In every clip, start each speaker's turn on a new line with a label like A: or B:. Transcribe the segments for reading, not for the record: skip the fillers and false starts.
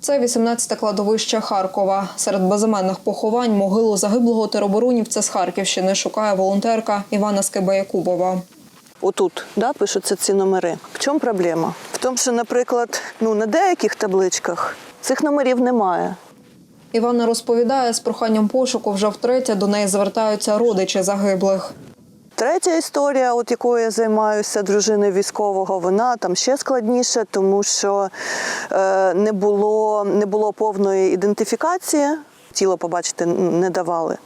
A: Це 18-те кладовище Харкова. Серед безіменних поховань могилу загиблого тероборонівця з Харківщини шукає волонтерка Івана Скибаякубова.
B: Отут, пишуться ці номери. В чому проблема? В тому, що, наприклад, на деяких табличках цих номерів немає.
A: Івана розповідає, з проханням пошуку вже втретє до неї звертаються родичі загиблих.
B: Третя історія, якою я займаюся, дружиною військового, вона там ще складніша, тому що не було повної ідентифікації, тіло побачити не давали.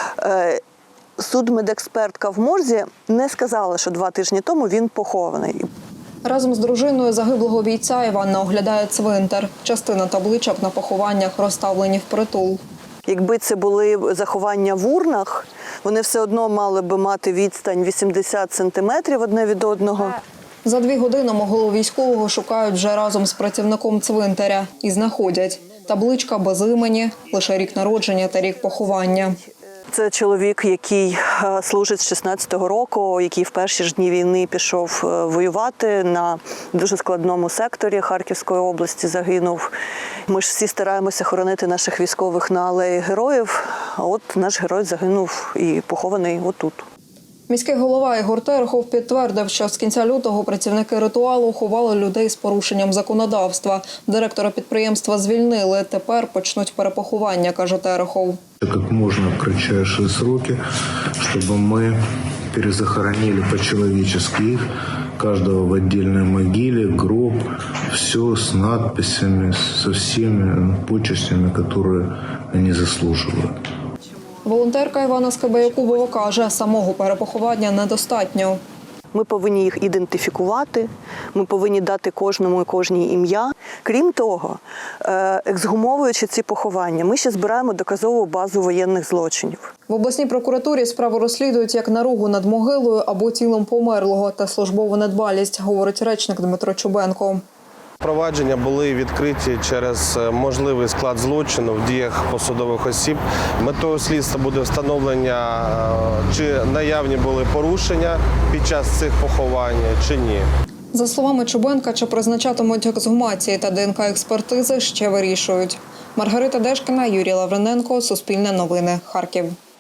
B: Судмедекспертка в морзі не сказала, що 2 тижні тому він похований.
A: Разом з дружиною загиблого бійця Іванна оглядає цвинтар. Частина табличок на похованнях розставлені впритул.
B: Якби це були заховання в урнах, вони все одно мали би мати відстань 80 сантиметрів одне від одного.
A: За 2 години могилу військового шукають вже разом з працівником цвинтаря. І знаходять. Табличка без імені, лише рік народження та рік поховання.
B: Це чоловік, який служить з 16-го року, який в перші ж дні війни пішов воювати на дуже складному секторі Харківської області, загинув. Ми ж всі стараємося хоронити наших військових на алеї героїв, а от наш герой загинув і похований отут.
A: Міський голова Ігор Терехов підтвердив, що з кінця лютого працівники ритуалу ховали людей з порушенням законодавства. Директора підприємства звільнили. Тепер почнуть перепоховання, каже Терехов.
C: Как можно в кратчайшие сроки, чтобы мы перезахоронили по-человечески их, каждого в отдельной могиле, гроб, все с надписями, со всеми почестями, которые они заслуживают.
A: Волонтерка Івана Скибаякубова каже, самого перепоховання недостатньо.
B: Ми повинні їх ідентифікувати, ми повинні дати кожному і кожній ім'я. Крім того, ексгумовуючи ці поховання, ми ще збираємо доказову базу воєнних злочинів.
A: В обласній прокуратурі справу розслідують як наругу над могилою або тілом померлого та службову недбалість, говорить речник Дмитро Чубенко.
D: Провадження були відкриті через можливий склад злочину в діях посадових осіб. Метою слідства буде встановлення, чи наявні були порушення під час цих поховань, чи ні.
A: За словами Чубенка, чи призначатимуть ексгумації та ДНК-експертизи, ще вирішують. Маргарита Дешкіна, Юрій Лавриненко, Суспільне новини, Харків.